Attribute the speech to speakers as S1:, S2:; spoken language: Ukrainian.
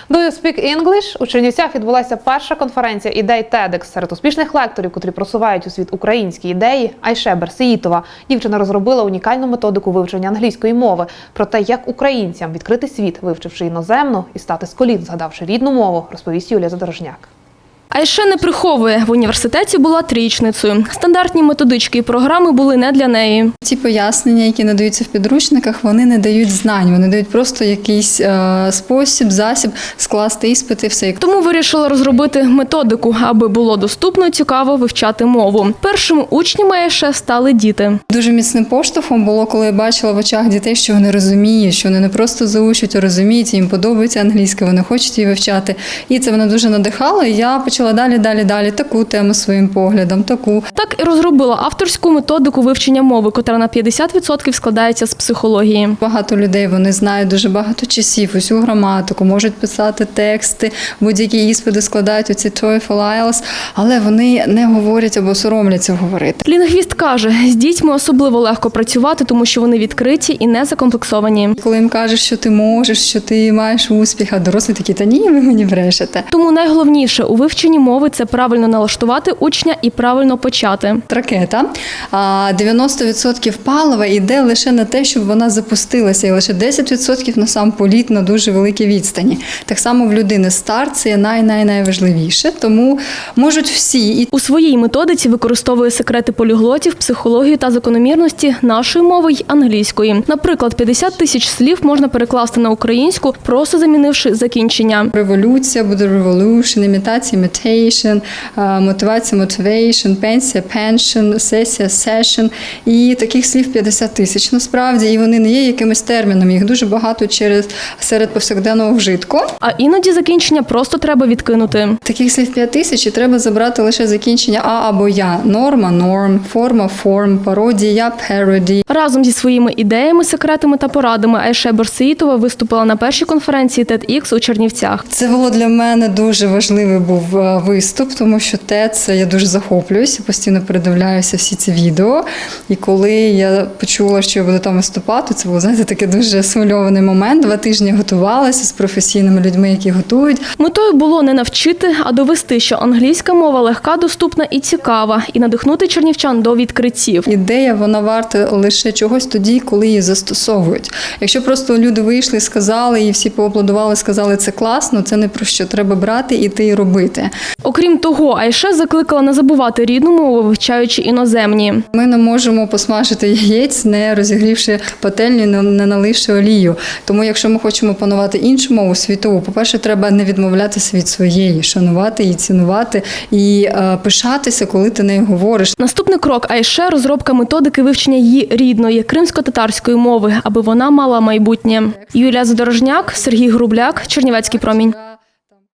S1: Do you speak English? У Чернівцях відбулася перша конференція ідей TEDx. Серед успішних лекторів, котрі просувають у світ українські ідеї, Айше Берсеїтова. Дівчина розробила унікальну методику вивчення англійської мови. Про те, як українцям відкрити світ, вивчивши іноземну, і стати з колін, згадавши рідну мову, розповість Юлія Задорожняк.
S2: Айше не приховує, в університеті була трієчницею. Стандартні методички і програми були не для неї.
S3: Ті пояснення, які надаються в підручниках, вони не дають знань, вони дають просто якийсь спосіб, засіб скласти іспити, все.
S2: Тому вирішила розробити методику, аби було доступно і цікаво вивчати мову. Першими учнями Айше стали діти.
S3: Дуже міцним поштовхом було, коли я бачила в очах дітей, що вони розуміють, що вони не просто заучують, а розуміють, їм подобається англійська, вони хочуть її вивчати. І це мене дуже надихало, і я почала далі таку тему своїм поглядом, таку.
S2: Так і розробила авторську методику вивчення мови, котра на 50% складається з психології.
S3: Багато людей, вони знають дуже багато часів, усю граматику, можуть писати тексти, будь-які іспити складають оці TOEFL, IELTS, але вони не говорять або соромляться говорити.
S2: Лінгвіст каже, з дітьми особливо легко працювати, тому що вони відкриті і не закомплексовані.
S3: Коли їм кажеш, що ти можеш, що ти маєш успіх, а дорослі такі, та ні, ви мені брешете.
S2: Тому найголовніше у вивченні мови – це правильно налаштувати учня і правильно почати.
S3: Ракета, 90% палива йде лише на те, щоб вона запустилася, і лише 10% на сам політ на дуже великій відстані. Так само в людини старт – це найважливіше, тому можуть всі.
S2: У своїй методиці використовує секрети поліглотів, психологію та закономірності нашої мови й англійської. Наприклад, 50 тисяч слів можна перекласти на українську, просто замінивши закінчення.
S3: Революція буде revolution, імітація imitation, мотивація motivation, пенсія pension, сесія session. І таких слів 50 тисяч насправді, і вони не є якимось терміном, їх дуже багато серед повсякденного вжитку.
S2: А іноді закінчення просто треба відкинути.
S3: Таких слів 5 тисяч і треба забрати лише закінчення а або я. Норма, норм, форма, форм, пародія, пароді.
S2: Разом зі своїми ідеями, секретами та порадами Айше Берсеїтова виступила на першій конференції TEDx у Чернівцях.
S3: Це було для мене дуже важливий був виступ, тому що TED, я дуже захоплююся, постійно передивляюся всі ці відео. І коли я почула, що я буду там виступати, це був, знаєте, такий дуже схвильований момент. 2 тижні готувалася з професійними людьми, які готують.
S2: Метою було не навчити, а довести, що англійська мова легка, доступна і цікава, і надихнути чернівчан до відкриттів.
S3: Ідея, вона варта лише чогось тоді, коли її застосовують. Якщо просто люди вийшли, сказали, і всі поаплодували, сказали, це класно, це не про що. Треба брати, іти і робити.
S2: Окрім того, Айше закликала не забувати рідну мову, вивчаючи іноземні.
S3: Ми не можемо посмажити яєць, не розігрівши пательню, не наливши олію. Тому якщо ми хочемо панувати іншу мову світову, по-перше, треба не відмовлятися від своєї, шанувати її, цінувати і пишатися, коли ти нею говориш.
S2: Наступний крок Айше – розробка методики вивчення її рідної, кримсько-татарської мови, аби вона мала майбутнє. Юлія Задорожняк, Сергій Грубляк, Чернівецький промінь.